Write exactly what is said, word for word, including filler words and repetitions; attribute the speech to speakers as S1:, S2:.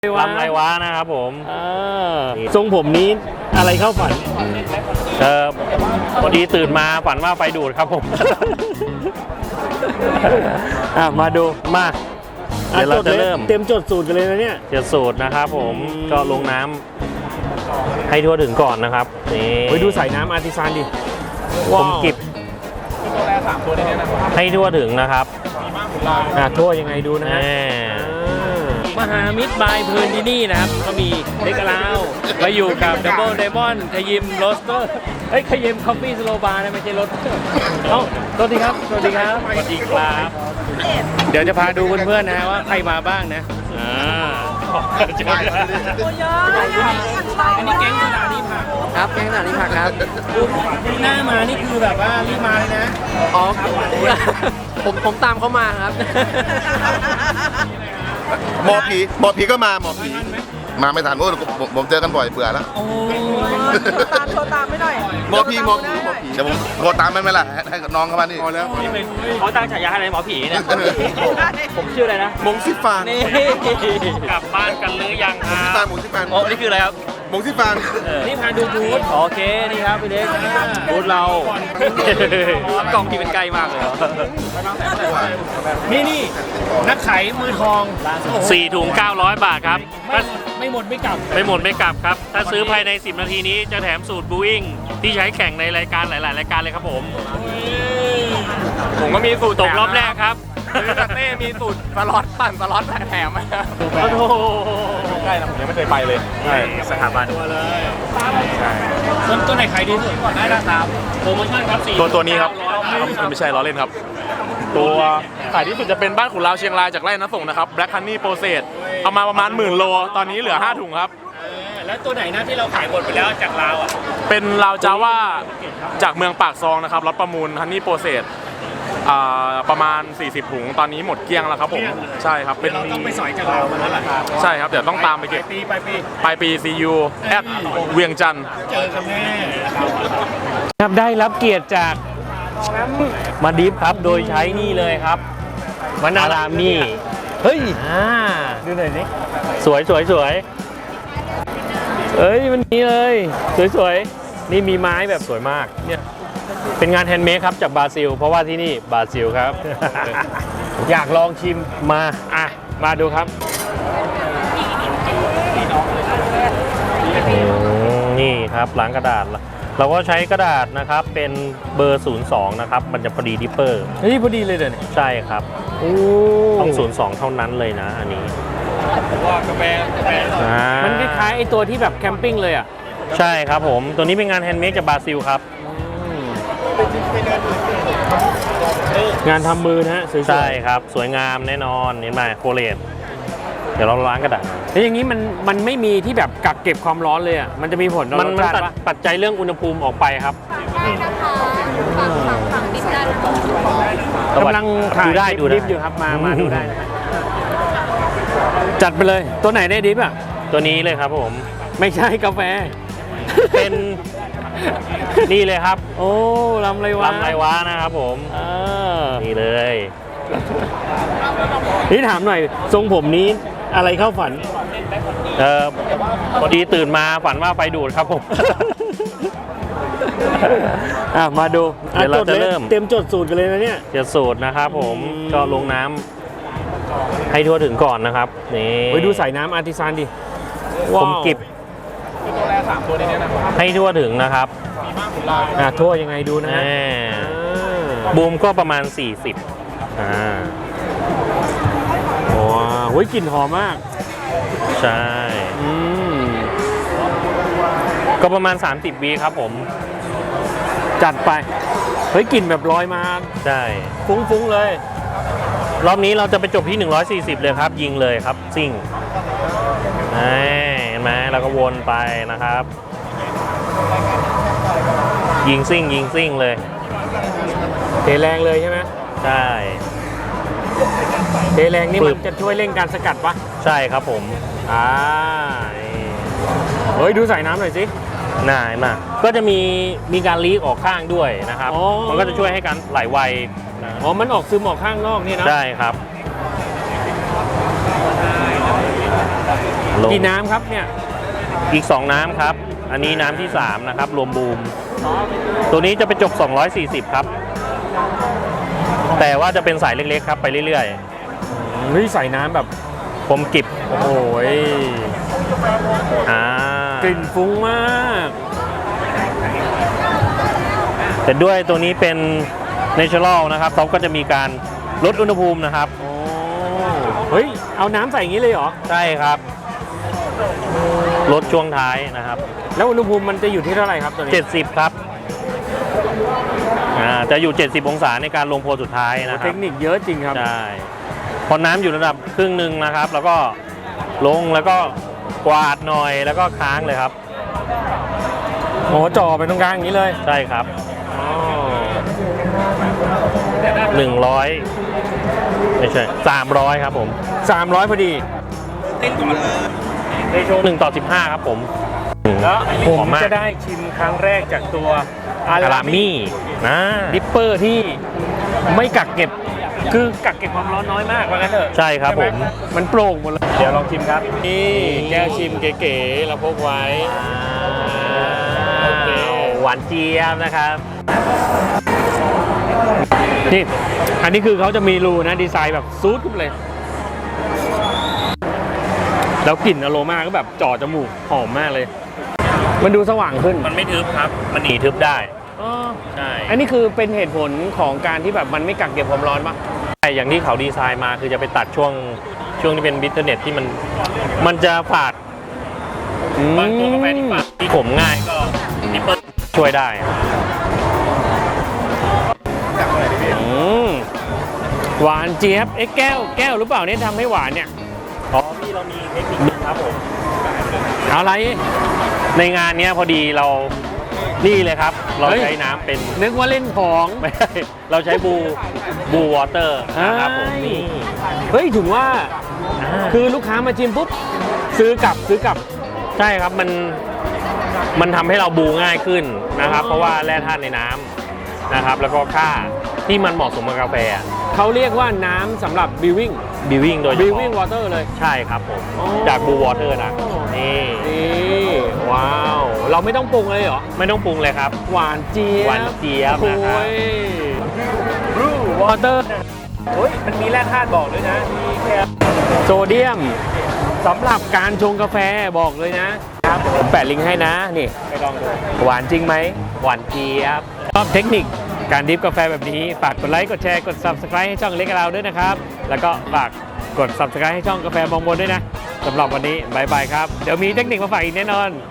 S1: ลำไรวะนะครับผม
S2: ทรงผมนี้อะไรเข้าฝัน
S1: เออพอดีตื่นมาฝันว่าไฟดูดครับผม
S2: อ่ะมาดู
S1: มาเดี๋ยวเราจะเริ่ม
S2: เต็มจดสูตรกันเลยนะเนี่ย
S1: เดี๋ยวสูตรนะครับผมก็ลงน้ำให้ทั่วถึงก่อนนะครับนี่
S2: ไปดูใส่น้ำอาร์ติซานดิ
S1: ผมกิบให้ทั่วถึงนะครับ
S2: อ่ะทั่วยังไงดูนะฮะ
S3: มหามิตรบายเพลินที่นี่นะครับก็มีเด็กลาวมาอยู่กับดับเบิลไดมอนด์ขยิมโรสเตอร์เฮ้ยขยิมคอฟฟี่สโลบาร์นะไม่ใช่รถเอ้าสวัสดีครับสวัสดีครับสวัสดีครับเดี๋ยวจะพาดูเพื่อนๆนะว่าใครมาบ้างนะอ่าอันนี้แก๊งสถานีผัก
S4: ครับแก๊งสถานีผักครับ
S3: หน้ามานี่คือแบบว่ารีบมาเลยนะ
S4: อ๋อผมผมตามเขามาครับ
S5: หมอผีหมอผีก็มาหมอผีมาไม่ทันโอ้ผมผมเจอกันบ่อยเบื่อแล้ว
S6: ตามโทรตามไม่หน่อย
S5: หมอผีหมอผีหมอผีเดี๋ยวผมโทรตามไม่ไม่ละให้น้องเข้ามานี่พอแล้ว
S3: เขาตั้งฉายาให้หมอผีเนี่ยผมชื่ออะไรนะ
S5: มงซิฟาน
S3: นี่กลับบ้านกันหรือยังครั
S5: บมงซิฟาน
S3: โอ้นี่คืออะไรครับ
S5: มงซิฟาน
S3: นี่พาดูบูธโอเคนี่ครับพี่เล็กบูธเรากล่องที่เป็นไกลมากเลยนี่นี่นักขายมือทอง
S1: สี่ถุงเก้าร้อยบาทครับ
S3: ไม่หมดไม่กลับ
S1: ไม่หมดไม่กลับครับถ้าซื้อภายในสิบนาทีนี้จะแถมสูตรบูอิงที่ใช้แข่งในรายการหลายๆรายการเลยครับผม
S3: ผมก็มีสูตร
S1: ตกรอบแรกครับ
S3: เต้มีสูตรสล็อตปั่นสล็อตแถมไหมครับ
S1: โอ้โห
S3: ใกล้นะผมยังไม่เคยไปเลย
S1: ใช่สถาบัน
S3: ใช่ส่วนตัวไหนขายดีสุดก่อนได้นะครับโปรโมชั่นครับสี่
S7: ตัวตัวนี้ครับไม่ใช่ล้อเล่นครับตัวขายที่สุดจะเป็นบ้านขุนลาวเชียงรายจากไร่น้ำส่งนะครับ Black Honey Process เอามาประมาณหมื่นโลตอนนี้เหลือห้าถุงครับ
S3: แล้วตัวไหนนะที่เราขายหมดไปแล้วจากลาวอ่ะ
S7: เป็นลาวจาว่าจากเมืองปากซองนะครับรถประมูล Honey Process ประมาณสี่สิบถุงตอนนี้หมดเกลี้ยงแล้วครับผมใช่ครับ
S3: เป็นเราต้องไปสอยจากลาวมาแล้วล่ะ
S7: ใช่ครับเดี๋ยวต้องตามไปเก็บ
S3: ปีไปปี
S7: ไปปี ซี ยู แอดเวียงจันทร์
S3: เจอกันแน่
S1: ครับได้รับเกียรติจากมาดิฟครับโดยใช้นี่เลยครับวนารามี
S2: เฮ้ย
S1: ดูหน่อยนี่สวยสวยสวยเอ้ยมันนี้เลยสวยสวยนี่มีไม้แบบสวยมากเนี่ยเป็นงานแฮนด์เมดครับจากบราซิลเพราะว่าที่นี่บราซิลครับ
S2: อยากลองชิม
S1: มาอ่ะมาดูครับนี่ครับล้างกระดาษเราก็ใช้กระดาษนะครับเป็นเบอร์ศูนย์สองนะครับมันจะพอดีดิปเปอร์
S2: เฮ้ยพอดีเลยเดี๋ยว
S1: ใช่ครับต้องศูนย์สองเท่านั้นเลยนะอันนี้
S3: ว่ากาแฟกาแฟ
S2: มันคล้ายๆไอตัวที่แบบแคมปิ้งเลยอ่ะ
S1: ใช่ครับผมตัวนี้เป็นงานแฮนด์เมดจากบราซิลครับ
S2: งานทำมือนะฮะ
S1: ใช่ครับสวยงามแน่นอนเห็นไหมโคเลตเดี๋ยวเราล้างกระดาษ
S2: แล้วอย่างนี้มันมันไม่มีที่แบบกักเก็บความร้อนเลยอ่ะมันจะมีผลต่อรสชาติปะ
S1: ปัจจัยเรื่องอุณหภูมิออกไปครับ
S2: กำลังถ่าย
S1: ได้ดู
S2: ดิฟอยู่ครับมามาดูได้จัดไปเลยตัวไหนได้ดิฟอ่ะ
S1: ตัวนี้เลยครับผม
S2: ไม่ใช่กาแฟ
S1: เป็นนี่เลยครับ
S2: โอ้ลำไรวะ
S1: ลำไรวะนะครับผมนี่เลย
S2: นี่ถามหน่อยทรงผมนี้อะไรเข้าฝัน
S1: เออพอดีตื่นมาฝันว่าไฟดูดครับผม
S2: อ่ะมาดู
S1: เดี๋ยวเราจะเริ่ม
S2: เต็มจดสูตรกันเลยนะเนี่ย
S1: เดี๋ยวสูตรนะครับผมก็ลงน้ำให้ทั่วถึงก่อนนะครับนี่
S2: ไปดูใส่น้ำอาร์ติซานดิ
S1: ผมกิบให้ทั่วถึงนะครับ
S2: อ่ะทั่วยังไงดูนะ
S1: บูมก็ประมาณสี่สิบอ่า
S2: โอ้โหกลิ่นหอมมาก
S1: ใช่ก็ประมาณสามสิบวีครับผม
S2: จัดไปเฮ้ยกลิ่นแบบลอยมา
S1: ใช่
S2: ฟุ้งๆเลย
S1: รอบนี้เราจะไปจบที่หนึ่งร้อยสี่สิบเลยครับยิงเลยครับซิ่งเห็นไหมเราก็วนไปนะครับยิงซิ่งยิงซิ่งเลย
S2: เทแรงเลยใช่ไหม
S1: ใช่
S2: เทแรงนี่มันจะช่วยเร่งการสกัดปะ
S1: ใช่ครับผม
S2: อ่าเฮ้ยดูใส่น้ำหน่อยสิ
S1: น่ามาก็จะมีมีการลีกออกข้างด้วยนะครับมันก็จะช่วยให้การไหลไว
S2: อ๋อมันออกซึมออกข้างนอกนี่นะ
S1: ใช่ครับ
S2: กี่น้ำครับเนี่ย
S1: อีก สอง น้ำครับ อันนี้น้ำที่ สาม นะครับ รวมบูม ตัวนี้จะไปจบ สองร้อยสี่สิบ ครับ แต่ว่าจะเป็นสายเล็กๆครับ ไปเรื่อย
S2: เฮ้ยใส่น้ำแบบ
S1: ๆผมกิบ
S2: โอ้โหย
S1: อ่าก
S2: ลิ่นฟุ้งมาก
S1: แต่ด้วยตัวนี้เป็น Natural นะครับเขาก็จะมีการลดอุณหภูมินะครับ
S2: โอ้เฮ้ยเอาน้ำใส่อย่างนี้เลยเหรอ
S1: ใช่ครับ ลดช่วงท้ายนะครับ
S2: แล้วอุณหภูมิมันจะอยู่ที่เท่าไหร่ครับตัวนี้
S1: เจ็ดสิบ ครับอ่าจะอยู่ เจ็ดสิบ องศาในการลงโพลสุดท้ายนะค
S2: เท
S1: รับ
S2: คนิคเยอะจริงครับ
S1: ใช่พอน้ำอยู่ระดับครึ่งหนึ่งนะครับ แล้วก็ลงแล้วก็กวาดหน่อยแล้วก็ค้างเลยครับ
S2: โอ้จ่อไปตรงกลางอย่างนี้เลย
S1: ใช่ครับ
S2: อ๋อ
S1: หนึ่งร้อยไม่ใช่สามร้อยครับผม
S2: สามร้อยพอดี
S1: หนึ่งต่อสิบห้าครับผม
S2: แล้วผม
S1: หอมาก
S2: จะได้ชิมครั้งแรกจากตัวอา
S1: อา
S2: รา
S1: รา
S2: มิ
S1: มี่นะ
S2: ดิปเปอร์ที่ไม่กักเก็บ คือกักเก็บความร้อนน้อยมากว่างั้นเถอะ
S1: ใช่ครับผม
S2: มันโปร่งหมดเลย เดี๋ยวลองชิมครับ นี่แก้วชิมเก๋ๆเราพกไว้ โอเค
S1: หวานเจี๊ยบนะครับ
S2: นี่อันนี้คือเขาจะมีรูนะดีไซน์แบบซูดขึ้นเลย แล้วกลิ่นอโรมาก็แบบจ่อจมูกหอมมากเลย มันดูสว่างขึ้น
S1: มันไม่ทึบครับ มันหนีทึบได้
S2: อ๋อ
S1: ใช่
S2: อันนี้คือเป็นเหตุผลของการที่แบบมันไม่กักเก็บความร้อนปะ
S1: ใช่อย่างที่เขาดีไซน์มาคือจะไปตัดช่วงช่วงที่เป็นบิทเทอร์เน็ตที่มันมันจะฝาดบางตัวกาแฟที่ฝาดที่ขมง่ายก็นิปเปิลช่วยได้
S2: อืมหวานเจี๊ยบเอ๊ะแก้วแก้วหรือเปล่าเนี่ยทำให้หวานเนี่ย
S1: อ๋อพี่เรามีเทคนิคนึงครับผม
S2: อะไร
S1: ในงานเนี้ยพอดีเรานี่เลยครับ เรา
S2: เฮ้ย
S1: ใช้น้ำเป็น
S2: นึกว่าเล่นของ
S1: ไม่ใช่เราใช้บูบูวอเตอร์นะครับผม
S2: เฮ้ย
S1: นี่
S2: เฮ้ยถึงว่า
S1: อ่า
S2: คือลูกค้ามาชิมปุ๊บซื้อกลับซื้อกลับ
S1: ใช่ครับมันมันทำให้เราบูง่ายขึ้นนะครับ เพราะว่าแร่ธาตุในน้ำนะครับ แล้วก็ค่าที่มันเหมาะสมกับกาแฟ
S2: เขาเรียกว่าน้ำสำหรับบิววิ่ง
S1: บิวิ่งโดยเฉ
S2: บิว
S1: พาะ
S2: วิ่งวอเตอร์เลย
S1: ใช่ครับผม
S2: อ๋อ
S1: จากบูวอเตอร์นะนี่
S2: นี่ว้าว เราไม่ต้องปรุงเลยเหรอ
S1: ไม่ต้องปรุงเลยครับ
S2: หวานเจี๊ยบ
S1: หวานเจี๊ยบนะครับ
S2: โอ้ยบรูวอเตอร์เฮ้ยมันมีแร่ธาตุบอกด้วยนะ มีแคลโซเดียมสำหรับการชงกาแฟบอกเลยนะครับผมแปะลิงก์ให้นะนี่ไปลองดูหวานจริงไหม
S1: หวานเจี๊ยบ
S2: ชอบเทคนิคการดริฟกาแฟแบบนี้ ฝากกดไลค์ กดแชร์ กด ซับสไครบ์ ให้ช่องเล็กกับเราด้วยนะครับ แล้วก็ฝากกด ซับสไครบ์ ให้ช่องกาแฟมองบนด้วยนะสำหรับวันนี้บายบายครับ เดี๋ยวมีเทคนิคมาฝากอีกแน่นอน